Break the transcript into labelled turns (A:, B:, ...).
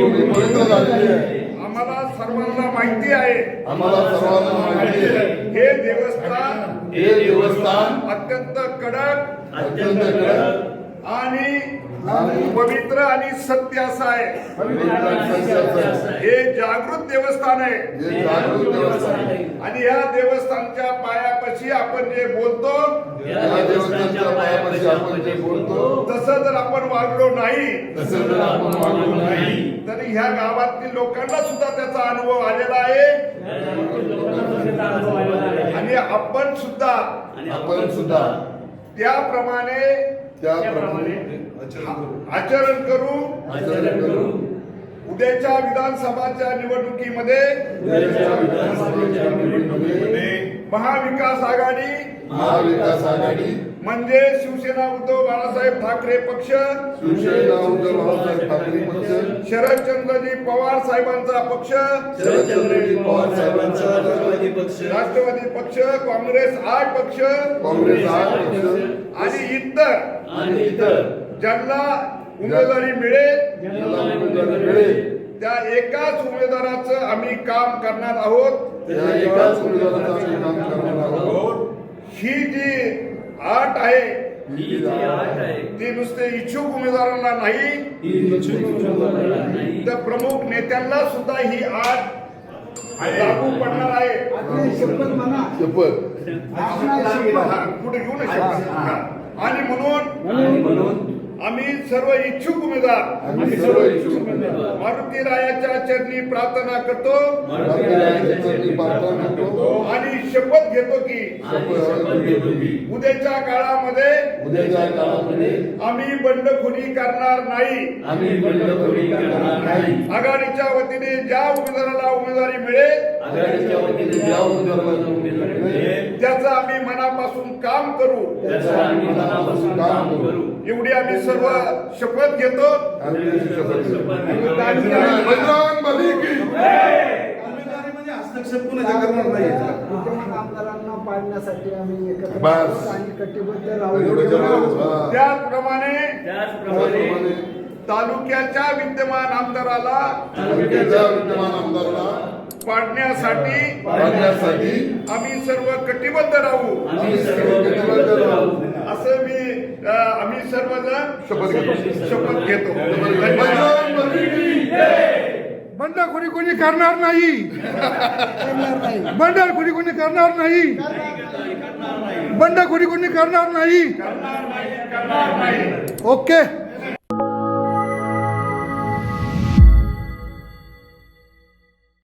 A: भूमी पवित्र झालेली आहे.
B: आम्हाला सर्वांना माहिती आहे
A: आम्हाला सर्वांना माहिती आहे
B: हे देवस्थान अत्यंत कडक आणि पवित्र आणि सत्य असं आहे. हे जागृत देवस्थान आहे आणि या देवस्थानच्या पायापाशी आपण जे बोलतो तसं जर आपण वागलो नाही तरी ह्या गावातील लोकांना सुद्धा त्याचा अनुभव आलेला आहे आणि आपण सुद्धा त्याप्रमाणे आचरण करू. उद्याच्या विधानसभाच्या निवडणुकीमध्ये महाविकास आघाडी म्हणजे शिवसेना उद्धव बाळासाहेब ठाकरे पक्ष, शरदचंद्रजी पवार साहेबांचा पक्ष, राष्ट्रवादी पक्ष, काँग्रेस 8 पक्ष आणि इतर ज्यांना उमेदवारी मिळेल त्या एकाच उमेदवाराचं आम्ही काम करणार आहोत. ही जी आट आहे ती नुसते इच्छुक उमेदवारांना नाही तर प्रमुख नेत्यांना सुद्धा ही आट लागू पडणार आहे. पुढे घेऊ ना शपथ. आणि म्हणून आम्ही सर्व इच्छुक उमेदवार मारुती रायाच्या चरणी प्रार्थना करतो आणि शपथ घेतो की उद्याच्या काळामध्ये आम्ही बंडखोरी करणार नाही. आघाडीच्या वतीने ज्या उमेदवाराला उमेदवारी मिळेल त्याचं आम्ही मनापासून काम करू. एवढी आम्ही सर्व शपथ घेतो.
C: हस्तक्षेप कुणाच्या करणार नाही.
D: आमदारांना पाडण्यासाठी आम्ही एकत्र
A: बस.
D: आणि कटिबद्ध राहू.
B: त्याचप्रमाणे तालुक्याच्या विद्यमान आमदाराला पाडण्यासाठी आम्ही सर्व कटिबद्ध राहू असं आम्ही सर्वजण शपथ घेतो.
E: बंडखोरी कोणी करणार नाही. बंडखोरी कोणी करणार नाही. बंडखोरी कोणी करणार नाही.
B: करणार नाही.
E: ओके.